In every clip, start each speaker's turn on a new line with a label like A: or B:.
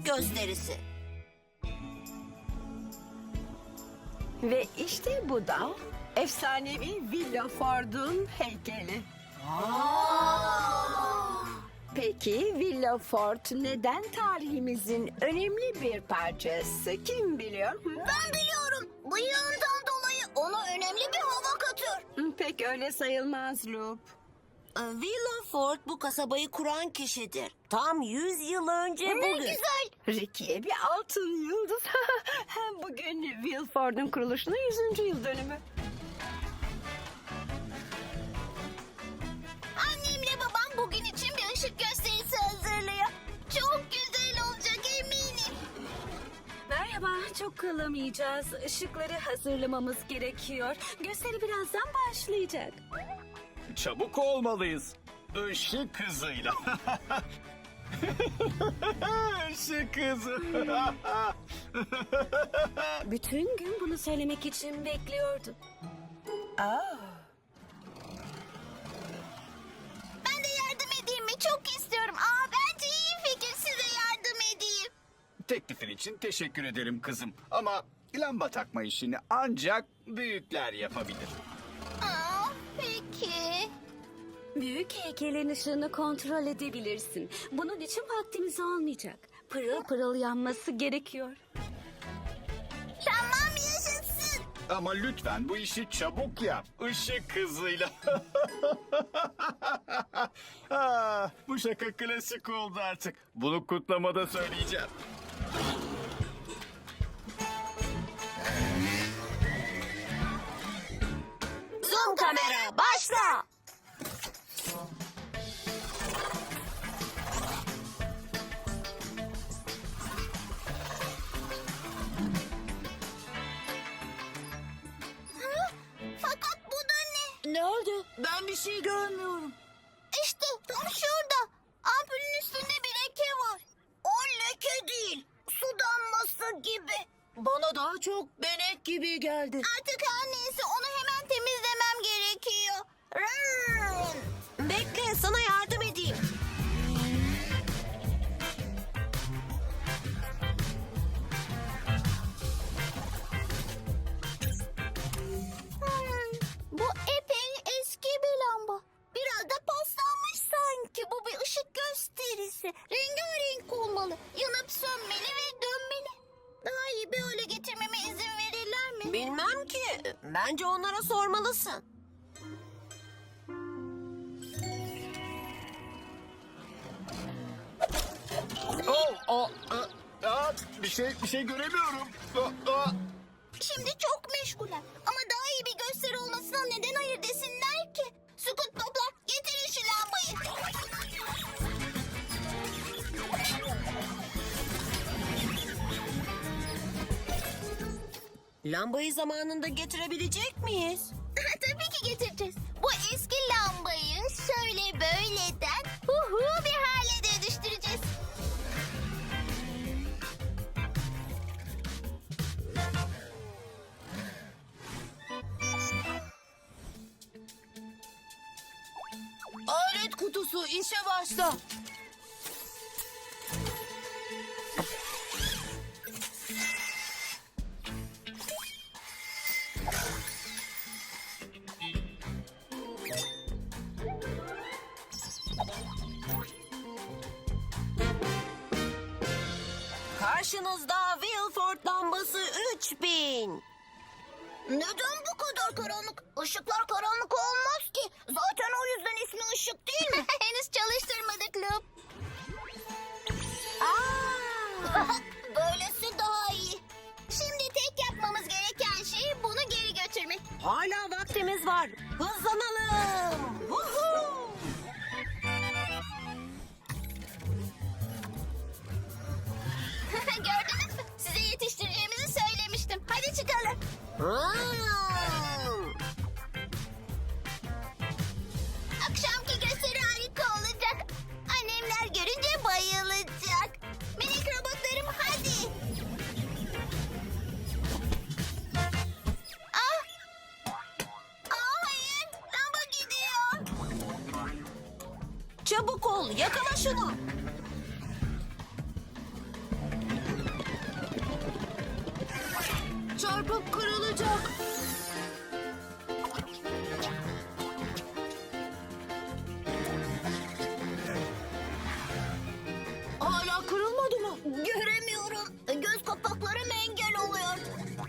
A: gösterisi.
B: Ve işte bu da efsanevi Villa Ford'un heykeli. Peki Villa Ford neden tarihimizin önemli bir parçası? Kim biliyor?
A: Ben biliyorum. Bıyığından dolayı ona önemli bir hava katıyor.
B: Pek öyle sayılmaz Loop.
A: Villa Ford bu kasabayı kuran kişidir. Tam 100 yıl önce bugün. Ne güzel.
B: Ricky'ye bir altın yıldız. Bugün Will Ford'un kuruluşunun 100. yıl dönümü.
A: Annemle babam bugün için bir ışık gösterisi hazırlıyor. Çok güzel olacak eminim.
C: Merhaba, çok kalamayacağız. Işıkları hazırlamamız gerekiyor. Gösteri birazdan başlayacak.
D: Çabuk olmalıyız. Işık hızıyla. Işık hızı.
C: Bütün gün bunu söylemek için bekliyordum.
A: Ben de yardım edeyim mi? Çok istiyorum. Bence iyi fikir, size yardım edeyim.
D: Teklifin için teşekkür ederim kızım. Ama lamba takma işini ancak büyükler yapabilir.
A: Peki.
C: Büyük heykelin ışığını kontrol edebilirsin. Bunun için vaktimiz olmayacak. Pırıl pırıl yanması gerekiyor.
A: Tamam, yaşasın.
D: Ama lütfen bu işi çabuk yap. Işık hızıyla. Bu şaka klasik oldu artık. Bunu kutlamada söyleyeceğim.
A: Zoom kamera, başla. Fakat bu da ne? Ne oldu? Ben bir şey görmüyorum. İşte tam şurada. Ampulün üstünde bir leke var. O leke değil. Su damlası gibi. Bana daha çok benek gibi geldi. Artık her neyse, onu hemen temizlemem gerekiyor. Bekle, sana yardım edeyim. Bu epey eski bir lamba. Biraz da paslanmış sanki. Bu bir ışık gösterisi. Rengarenk olmalı. Yanıp sönmeli ve dönmeli. Daha iyi bir hale getirmeme izin verirler mi? Bilmem ki. Bence onlara sormalısın.
D: Bir şey göremiyorum.
A: Şimdi çok meşguler. Ama daha iyi bir gösteri olmasına neden hayır desinler ki? Scoot Bob'lar, getirin şu lambayı. Lambayı zamanında getirebilecek miyiz? Tabii ki getireceğiz. Bu eski lambayı şöyle böyleden bir hale dönüştüreceğiz. Alet kutusu, işe başla. Karşınızda Wilford lambası 3000. Neden bu kadar karanlık? Işıklar karanlık olmaz ki. Zaten o yüzden ismi ışık değil mi? Henüz çalıştırmadık Loop. Böylesi daha iyi. Şimdi tek yapmamız gereken şey bunu geri götürmek. Hala vaktimiz var. Hızlanalım. Gördünüz mü? Size yetiştireceğimizi söylemiştim. Hadi çıkalım. Akşamki gösteri harika olacak. Annemler görünce bayılacak. Minik robotlarım, hadi. Hayır, lamba gidiyor. Çabuk ol, yakala şunu. çarpıp kırılacak. Hala kırılmadı mı? Göremiyorum. Göz kapaklarım engel oluyor.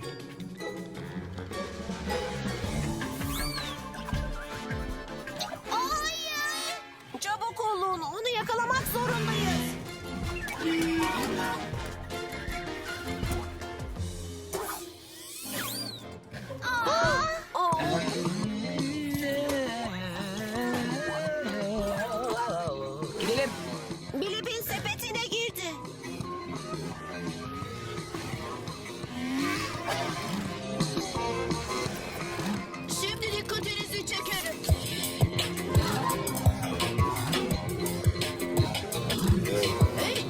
A: Hayır! Çabuk olun, onu yakalamak zorundayız.
E: Gidelim.
A: Bilip'in sepetine girdi. Şimdi dikkatinizi çekerim. Hey!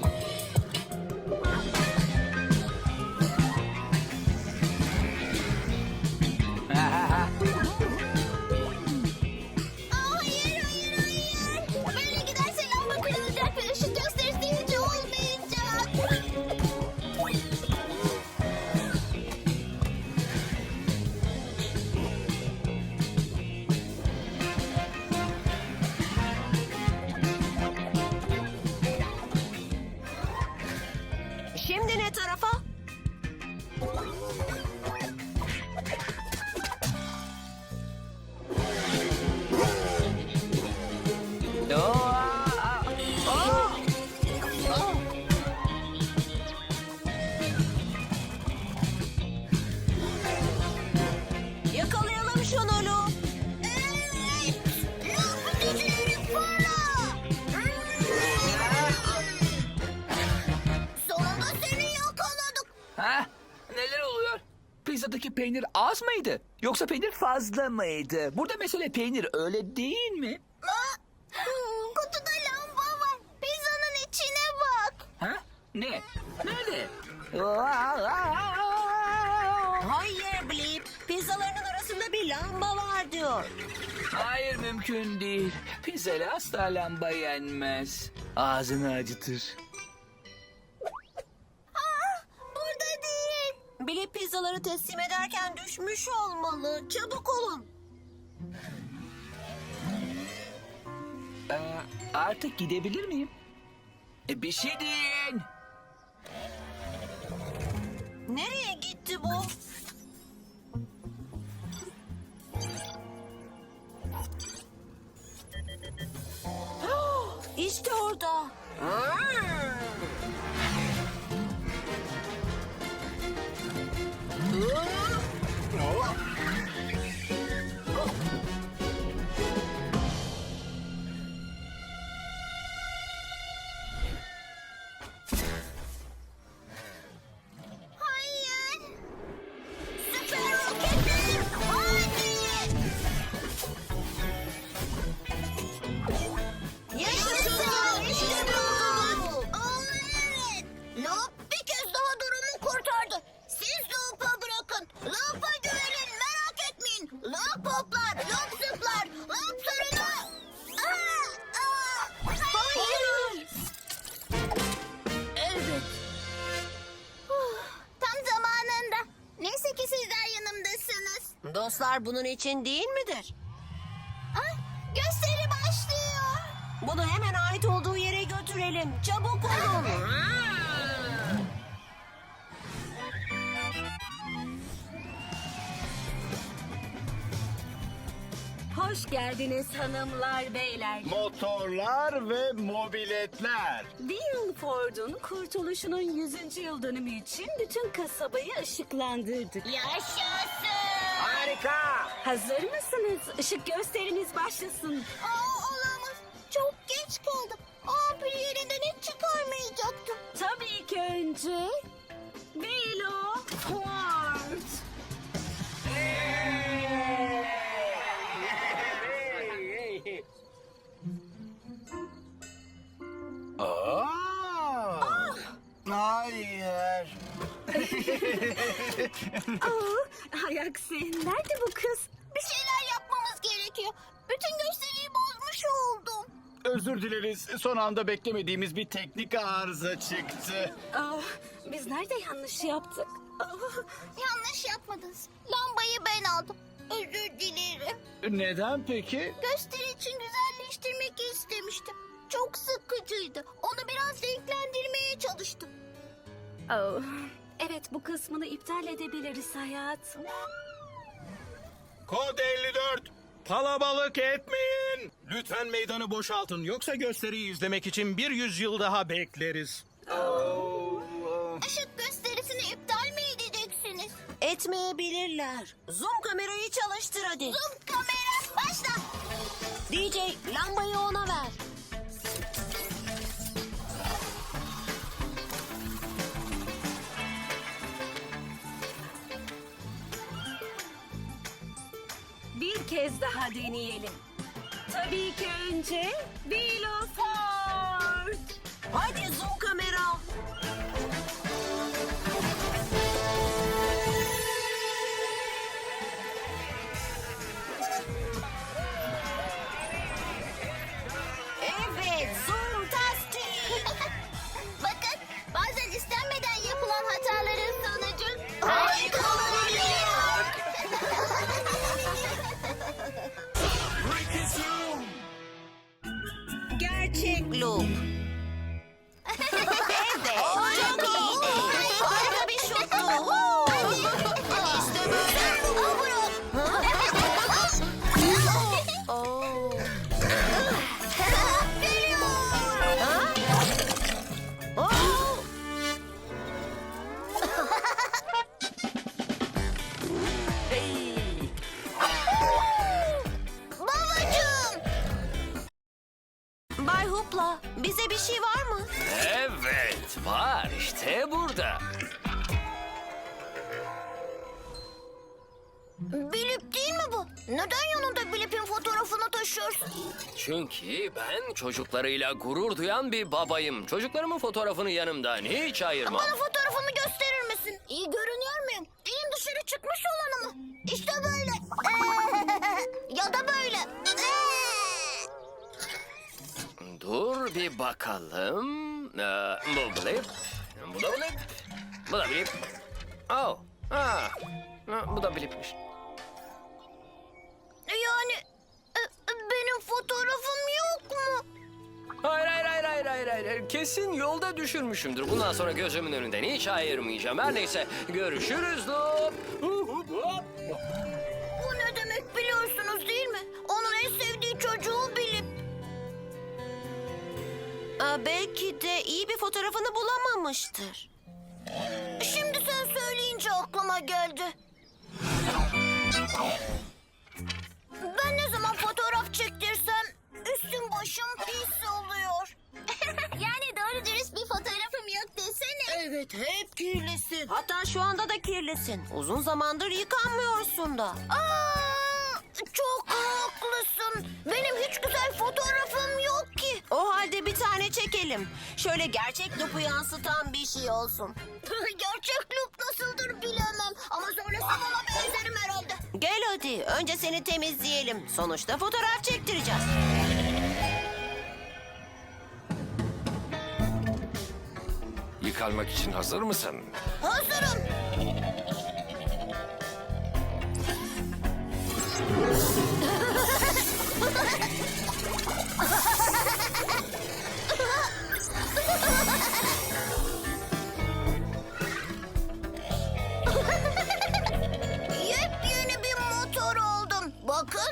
A: Hayır, hayır, hayır. Böyle giderse lamba kırılacak ve ışık gösterisi hiç olmayacak. Şimdi ne tarafa? Yakalayalım şunu Lu. Evet. Lu, güçlerini fırla. Sonunda seni yakaladık.
E: Ha? Neler oluyor? Pizzadaki peynir az mıydı? Yoksa peynir fazla mıydı? Burada mesele peynir, öyle değil mi?
A: Kutuda lamba var. Pizzanın içine bak.
E: Ha? Ne? Nerede?
A: Hayır Blip. Pizzalarının arasında bir lamba var diyor.
E: Hayır, mümkün değil. Pizzayla asla lamba yenmez. Ağzını acıtır.
A: Burada değil. Blip pizzaları teslim ederken düşmüş olmalı. Çabuk olun.
E: Artık gidebilir miyim? Bir şey deyin.
A: Nereye gitti bu? İşte orada. Hayır. Süper roketlerim. Hadi. Yaşasın. İşte bu. Evet. Loop bir kez daha durumu kurtardı. Siz Loop'a bırakın. Loop'a güvenin. Merak etmeyin. Loop hoplar. Loop zıplar. Loop sarılı. Hayır. Evet. Tam zamanında. Neyse ki sizler yanımdasınız. Dostlar bunun için değil midir? Gösteri başlıyor. Bunu hemen ait olduğu yere götürelim. Çabuk olun.
C: Hoş geldiniz hanımlar, beyler.
D: Motorlar ve mobiletler.
C: Bill Ford'un kurtuluşunun 100. yıl dönümü için bütün kasabayı ışıklandırdık.
A: Yaşasın.
E: Harika.
C: Hazır mısınız? Işık gösteriniz başlasın.
A: Olamaz. Çok geç kaldım. Ampul yerinden hiç çıkarmayacaktım.
C: Tabii ki önce Bill Ford.
D: Hayır.
C: Hay aksi, nerede bu kız?
A: Bir şeyler yapmamız gerekiyor. Bütün gösteriyi bozmuş oldum.
D: özür dileriz. Son anda beklemediğimiz bir teknik arıza çıktı.
C: Ah, biz nerede yanlış yaptık? Ah,
A: Yanlış yapmadınız. Lambayı ben aldım. Özür dilerim.
D: Neden peki?
A: Gösteri için güzelleştirmek istemiştim. Çok sıkıcıydı. Onu biraz renklendirmeye çalıştım.
C: oh. Evet, bu kısmını iptal edebiliriz hayatım.
F: Kod 54. Kalabalık etmeyin. Lütfen meydanı boşaltın. Yoksa gösteriyi izlemek için bir yüzyıl daha bekleriz.
A: Işık gösterisini iptal mi edeceksiniz?
G: Etmeyebilirler. Zoom kamerayı çalıştır hadi.
A: Zoom kamera başla.
G: DJ lambayı ona ver.
C: Bir kez daha deneyelim. Tabii ki önce Wheel of Ford.
G: Hadi zoom kamera. Evet, zoom tastik.
A: Bakın bazen istenmeden yapılan hataların sonucu harika olabiliyor.
G: Gerçek loop. Evet, çok iyiydi. Harika bir şuttu. İşte böyle. Oo. Ha? Oo.
A: Babacığım.
G: Bay Hoopla, bize bir şey var mı?
H: Evet, var işte burada.
A: Bilip değil mi bu? Neden yanında Bilip'in fotoğrafını taşıyorsun?
H: Çünkü ben çocuklarıyla gurur duyan bir babayım. Çocuklarımın fotoğrafını yanımdan hiç ayırmam.
A: Bana fotoğrafımı gösterir misin? İyi görünüyor muyum? Dilim dışarı çıkmış olanı mı? İşte böyle. Ya da böyle.
H: Dur bir bakalım. Bu blip. Bu da blip. Bu da blip. Oh. Ha. Bu da blipmiş.
A: Yani benim fotoğrafım yok mu?
H: Hayır. Kesin yolda düşürmüşümdür. Bundan sonra gözümün önünden hiç ayırmayacağım. Her neyse görüşürüz. Hop.
A: Bu ne demek biliyorsunuz değil mi? Onun en sevdiği çocuğu Bilip.
G: Belki de iyi bir fotoğrafını bulamamıştır.
A: Şimdi sen söyleyince aklıma geldi. Ben ne zaman fotoğraf çektirsem üstüm başım pis oluyor. Yani doğru dürüst bir fotoğrafım yok desene.
G: Evet, hep kirlisin. Hatta şu anda da kirlisin. Uzun zamandır yıkanmıyorsun da.
A: Çok haklısın. Benim hiç güzel fotoğrafım yok ki.
G: O halde bir tane çekelim. Şöyle gerçek loop'u yansıtan bir şey olsun.
A: Gerçek loop nasıldır bilemem. Ama sonrasında ona benzerim herhalde.
G: Gel hadi, önce seni temizleyelim. Sonuçta fotoğraf çektireceğiz.
I: Yıkanmak için hazır mısın?
A: Hazırım. Yepyeni bir motor oldum. Bakın.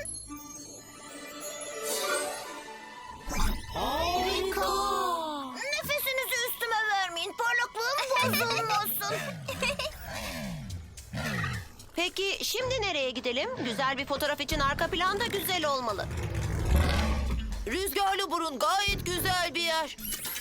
G: Harika.
A: Nefesinizi üstüme vermeyin. Parlaklığım bozulmasın.
G: Peki şimdi nereye gidelim? Güzel bir fotoğraf için arka plan da güzel olmalı. Rüzgarlı burun gayet güzel bir yer.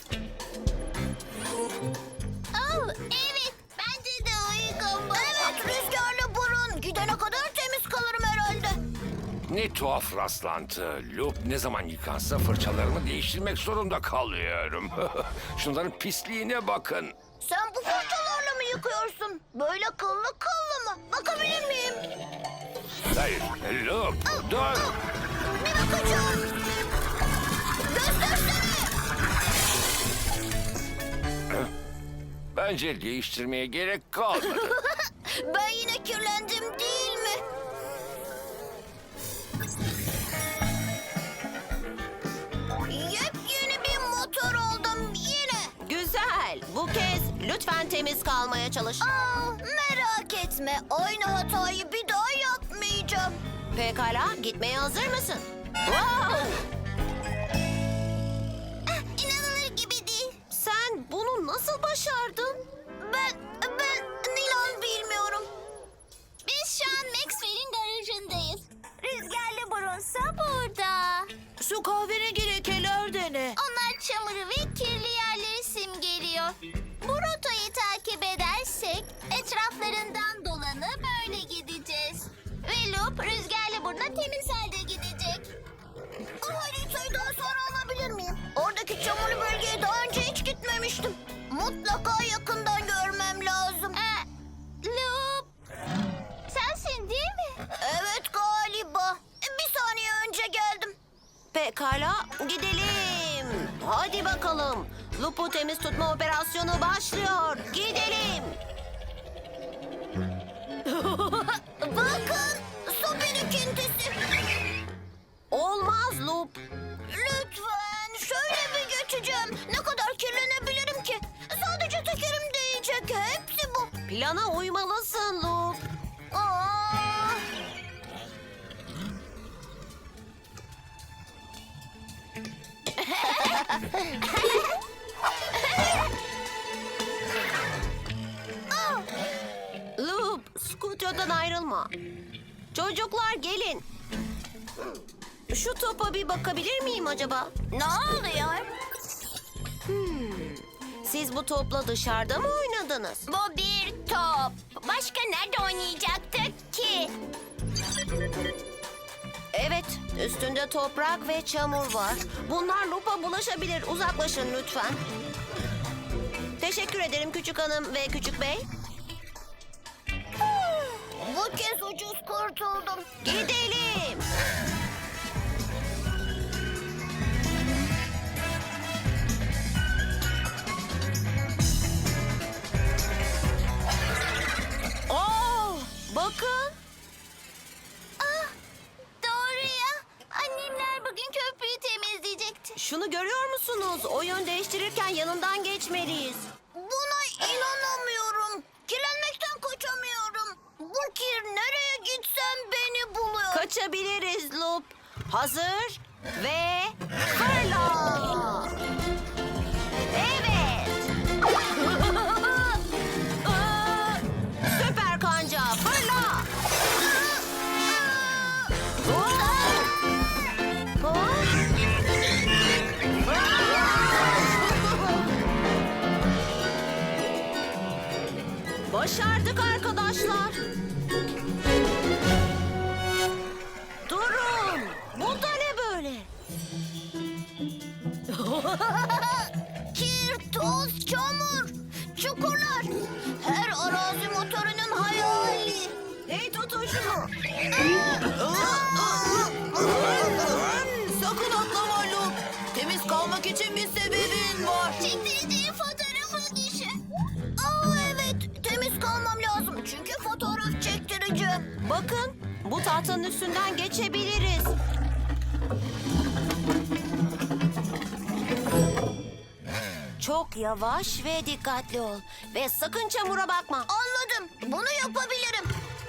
A: Evet. Bence de uygun bu. Evet rüzgarlı burun. Gidene kadar temiz kalırım herhalde.
I: Ne tuhaf rastlantı. Loop ne zaman yıkansa fırçalarımı değiştirmek zorunda kalıyorum. Şunların pisliğine bakın.
A: Sen bu fırçalarla mı yıkıyorsun? Böyle kıllı mı? Bakabilir miyim?
I: Hayır, Loop, dur.
A: Bir bakacağım.
I: Bence değiştirmeye gerek kalmadı.
A: Ben yine kirlendim değil mi? Yepyeni bir motor oldum yine.
G: Güzel. Bu kez lütfen temiz kalmaya çalış.
A: Merak etme. Aynı hatayı bir daha yapmayacağım.
G: Pekala, gitmeye hazır mısın? Wow!
A: İnanılır gibi değil.
G: Sen bunu nasıl başardın?
A: Ben inan bilmiyorum. Biz şu an Maxwell'in garajındayız. Rüzgarlı burunsa burada.
G: Şu kahverengi lekeler de ne?
A: Onlar çamuru ve kirli yerleri simgeliyor. Bu rotayı takip edersek etraflarından dolanıp böyle gideceğiz. Ve Loop rüzgarlı buruna temiz halde gidecek. O haritayı daha sonra alabilir miyim? Oradaki çamurlu bölgeye daha önce hiç gitmemiştim. Mutlaka yakından görmem lazım. Loop, sensin değil mi? Evet galiba. Bir saniye önce geldim.
G: Pekala, gidelim. Hadi bakalım. Lupu temiz tutma operasyonu başlıyor. Gidelim.
A: Bakın, su birikintisi.
G: Olmaz Lup.
A: Lütfen şöyle bir geçeceğim. Ne kadar kirlenebilirim ki? Sadece tekerim değecek. Hepsi bu.
G: Plana uymalısın Lup.
A: Aa!
G: Lup, skuterden ayrılma. Çocuklar gelin. Şu topa bir bakabilir miyim acaba?
A: Ne oluyor?
G: Siz bu topla dışarıda mı oynadınız?
A: Bu bir top. Başka nerede oynayacaktık ki?
G: Evet, üstünde toprak ve çamur var. Bunlar Lup'a bulaşabilir. Uzaklaşın lütfen. Teşekkür ederim küçük hanım ve küçük bey.
A: Bu kez ucuz kurtuldum.
G: Gidelim. Oh, bakın.
A: Doğru ya. Annemler bugün köprüyü temizleyecekti.
G: Şunu görüyor musunuz? O yön değiştirirken yanından geçmeliyiz.
A: Buna inanamıyorum. Kirlenmekten kaçamıyorum. Bu kir nereye gitsem beni buluyor.
G: Kaçabiliriz Lup. Hazır ve fırla. Evet. Süper kanca fırla. Başardık arkadaşlar. Durun. Bu da ne böyle?
A: Kir, toz, çamur, çukurlar. Her arazi motorunun hayali.
G: Hey tutun şunu. Sakın atlama Lup. Temiz kalmak için bir sebebin var.
A: Çektireceğim fotoğrafı düşün. Evet, temiz kalmam lazım çünkü fotoğraf çektireceğim.
G: Bakın, bu tahtanın üstünden geçebiliriz. Çok yavaş ve dikkatli ol. Ve sakın çamura bakma.
A: Anladım, bunu yapabilirim.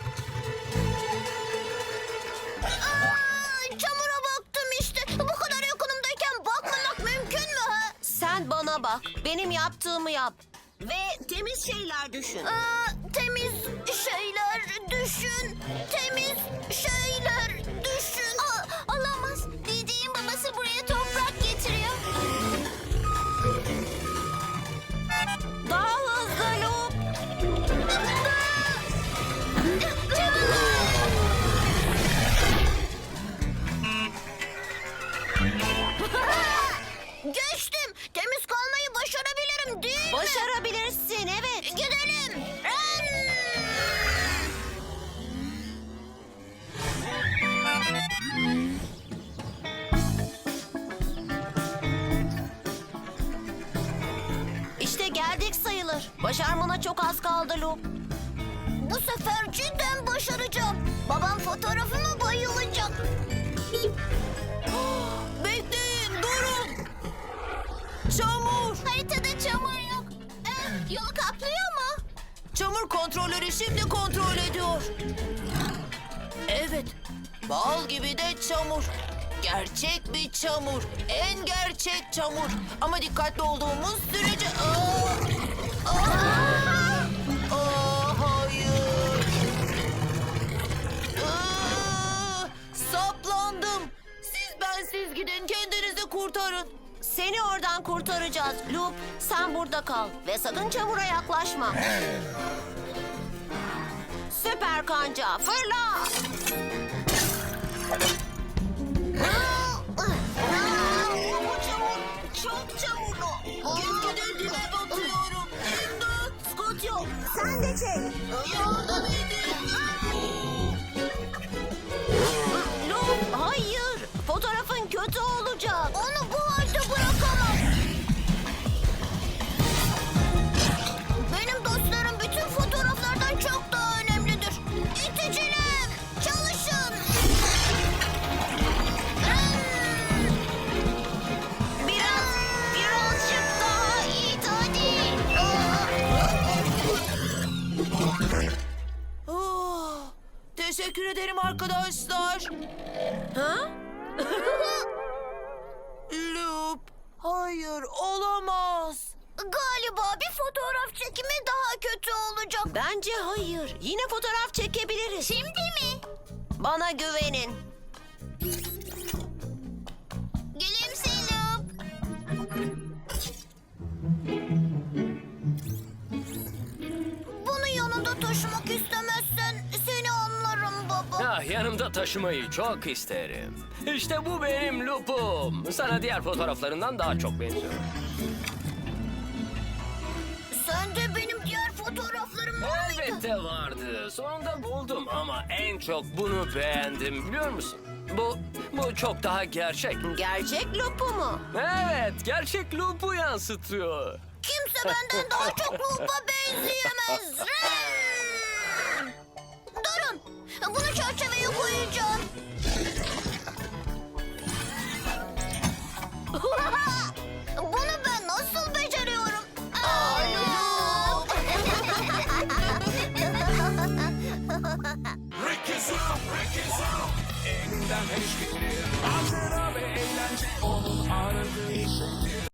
A: Çamura baktım işte. Bu kadar yakınımdayken bakmamak mümkün mü ha?
G: Sen bana bak, benim yaptığımı yap. Ve temiz şeyler düşün.
A: Temiz şeyler düşün. Temiz şeyler düşün. Olamaz. DJ'in babası buraya toprak getiriyor.
G: Daha hızlı Lup.
A: Geçtim. Temiz kalmayı başarabilirim değil mi?
G: Başarabilirsin, evet.
A: Gidelim.
G: geldik sayılır. Başarmana çok az kaldı Lup.
A: Bu sefer cidden başaracağım. Babam fotoğrafıma bayılacak.
G: Bekleyin, durun. Çamur.
A: Haritada çamur yok. Yolu kaplıyor mu?
G: Çamur kontrolörü şimdi kontrol ediyor. Evet, bal gibi de çamur. Gerçek bir çamur. En gerçek çamur. Ama dikkatli olduğumuz sürece... Hayır. Saplandım. Siz bensiz gidin, kendinizi kurtarın. Seni oradan kurtaracağız. Lup, sen burada kal ve sakın çamura yaklaşma. Süper kanca, fırla! Bu çamur çok çamurlu. Gitgide dibe batıyorum. İmdat, Scotio.
A: Sen de çek.
G: Yardım edin. Lup, hayır. Fotoğrafın kötü olacak.
A: Onu bu halde bırakamam. Benim dostlarım bütün fotoğraflardan çok daha önemlidir. İticiler, çalışın.
G: Birazcık daha it hadi. Teşekkür ederim arkadaşlar. Ha? Lup, hayır olamaz.
A: Galiba bir fotoğraf çekimi daha kötü olacak.
G: Bence hayır. Yine fotoğraf çekebiliriz.
A: Şimdi mi?
G: Bana güvenin.
A: Gülümse Lup. Bunu yanında taşımak istemezsen seni anlarım baba.
H: Ah, yanımda taşımayı çok isterim. İşte bu benim Lupum. Sana diğer fotoğraflarından daha çok benziyor.
A: Sen de benim diğer fotoğraflarım var mıydı?
H: Elbette vardı. Sonunda buldum ama en çok bunu beğendim biliyor musun? Bu çok daha gerçek.
G: Gerçek Lup'u mu?
H: Evet, gerçek Lup'u yansıtıyor.
A: Kimse benden daha çok Lup'a benzeyemez. Durun. Bunu çerçeveye koyacağım.